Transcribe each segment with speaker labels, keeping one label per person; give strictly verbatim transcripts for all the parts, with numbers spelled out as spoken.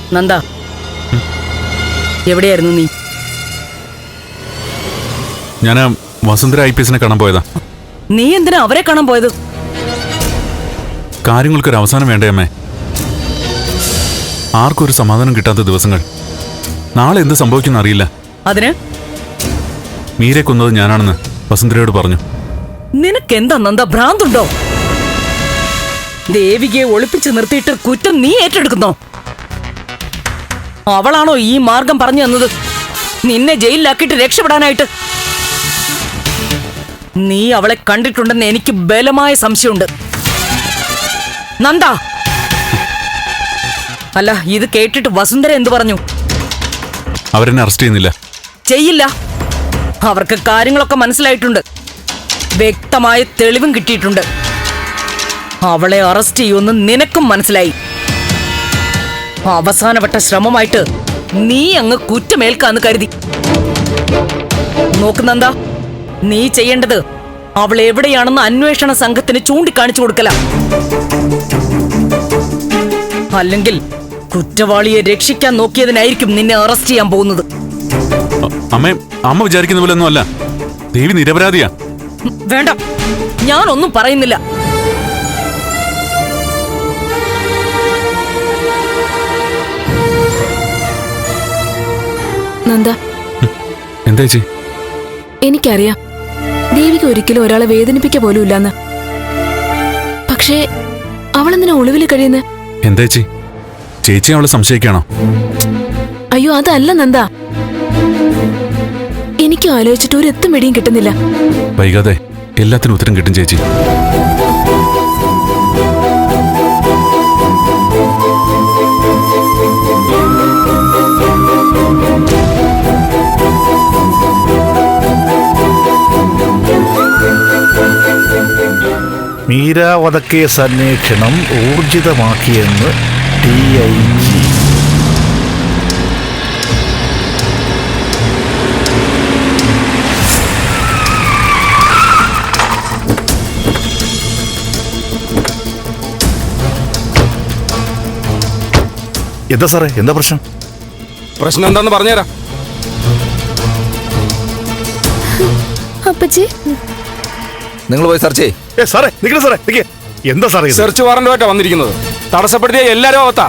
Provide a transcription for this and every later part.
Speaker 1: നന്ദ, എവിടെയായിരുന്നു നീ?
Speaker 2: ഞാൻ വസുന്ധര ഐ പി എസിനെ കാണാൻ പോയതാ.
Speaker 1: നീ എന്തിനാ അവരെ കാണാൻ പോയത്?
Speaker 2: കാര്യങ്ങൾക്കൊരു അവസാനം വേണ്ടേ അമ്മേ? ആർക്കും ഒരു സമാധാനം കിട്ടാത്ത ദിവസങ്ങൾ. നാളെ എന്ത് സംഭവിക്കുന്ന അറിയില്ല.
Speaker 1: അതിന്
Speaker 2: മീരെ കൊന്നത് ഞാനാണെന്ന് വസുന്ധരയോട് പറഞ്ഞു.
Speaker 1: നിനക്കെന്താ നന്ദ, ഭ്രാന്തുണ്ടോ? ദേവികയെ ഒളിപ്പിച്ച് നിർത്തിയിട്ട് കുറ്റം നീ ഏറ്റെടുക്കുന്നോ? അവളാണോ ഈ മാർഗം പറഞ്ഞു തന്നത് നിന്നെ ജയിലിലാക്കിയിട്ട് രക്ഷപ്പെടാനായിട്ട്? നീ അവളെ കണ്ടിട്ടുണ്ടെന്ന് എനിക്ക് ബലമായ സംശയമുണ്ട് നന്ദ. അല്ല, ഇത് കേട്ടിട്ട് വസുന്ധര എന്തു പറഞ്ഞു?
Speaker 2: അവരെന്നെ അറസ്റ്റ് ചെയ്യുന്നില്ല.
Speaker 1: ചെയ്യില്ല. അവർക്ക് കാര്യങ്ങളൊക്കെ മനസ്സിലായിട്ടുണ്ട്. വ്യക്തമായ തെളിവും കിട്ടിയിട്ടുണ്ട്. അവളെ അറസ്റ്റ് ചെയ്യുമെന്ന് നിനക്കും മനസ്സിലായി. അവസാനപ്പെട്ട ശ്രമമായിട്ട് നീ അങ്ങ് കുറ്റമേൽക്കാന്ന് കരുതി. നോക്കുന്നന്ത, നീ ചെയ്യേണ്ടത് അവൾ എവിടെയാണെന്ന് അന്വേഷണ സംഘത്തിന് ചൂണ്ടിക്കാണിച്ചു കൊടുക്കല. അല്ലെങ്കിൽ കുറ്റവാളിയെ രക്ഷിക്കാൻ നോക്കിയതിനായിരിക്കും നിന്നെ അറസ്റ്റ് ചെയ്യാൻ പോകുന്നത്.
Speaker 2: അമ്മേ, അമ്മ വിചാരിക്കുന്ന പോലെ ഒന്നും അല്ല. ദേവി നിരപരാധിയാ.
Speaker 1: വേണ്ട, ഞാനൊന്നും പറയുന്നില്ല.
Speaker 3: നന്ദ,
Speaker 2: എന്താ ചേച്ചി?
Speaker 3: എനിക്കറിയാം ദേവിക്ക് ഒരിക്കലും ഒരാളെ വേദനിപ്പിക്ക പോലും ഇല്ലെന്ന്. പക്ഷേ അവളെന്തിനാ ഒളിവിൽ കഴിയുന്നത്?
Speaker 2: എന്താ ചേച്ചി, ചേച്ചി അവളെ സംശയിക്കാണോ?
Speaker 3: അയ്യോ, അതല്ല നന്ദ. എനിക്കും ആലോചിച്ചിട്ട് ഒരു എത്തും വെടിയും കിട്ടുന്നില്ല.
Speaker 2: വൈകാതെ എല്ലാത്തിനും ഉത്തരം കിട്ടും ചേച്ചി.
Speaker 4: മീര വധക്കേസ് അന്വേഷണം ഊർജിതമാക്കിയെന്ന് ഡി ഐ ജി. എന്താ സാറേ, എന്താ പ്രശ്നം?
Speaker 5: പ്രശ്നം എന്താന്ന് പറഞ്ഞുതരാം.
Speaker 3: അപ്പച്ചി,
Speaker 5: നിങ്ങൾ പോയി സെർച്ച് ചെയ്യ്.
Speaker 4: ഏ സാറേ, നിൽക്കണേ സാറേ, നിൽക്കേ. എന്താ സാറേ ഇത്?
Speaker 5: സെർച്ച് വാറന്റുമായിട്ടാ വന്നിരിക്കുന്നത്. തടസ്സപ്പെടുത്തിയ എല്ലാരും അവത്താ.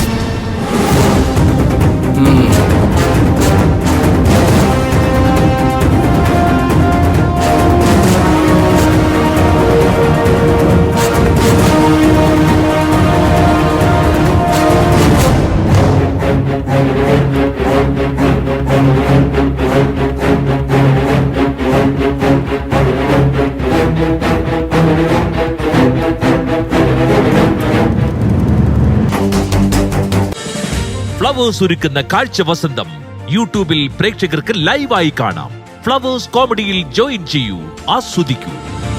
Speaker 6: ഫ്ലവേഴ്സ് ഒരുക്കുന്ന കാഴ്ച വസന്തം യൂട്യൂബിൽ പ്രേക്ഷകർക്ക് ലൈവായി കാണാം. ഫ്ലവേഴ്സ് കോമഡിയിൽ ജോയിൻ ചെയ്യൂ, ആസ്വദിക്കൂ.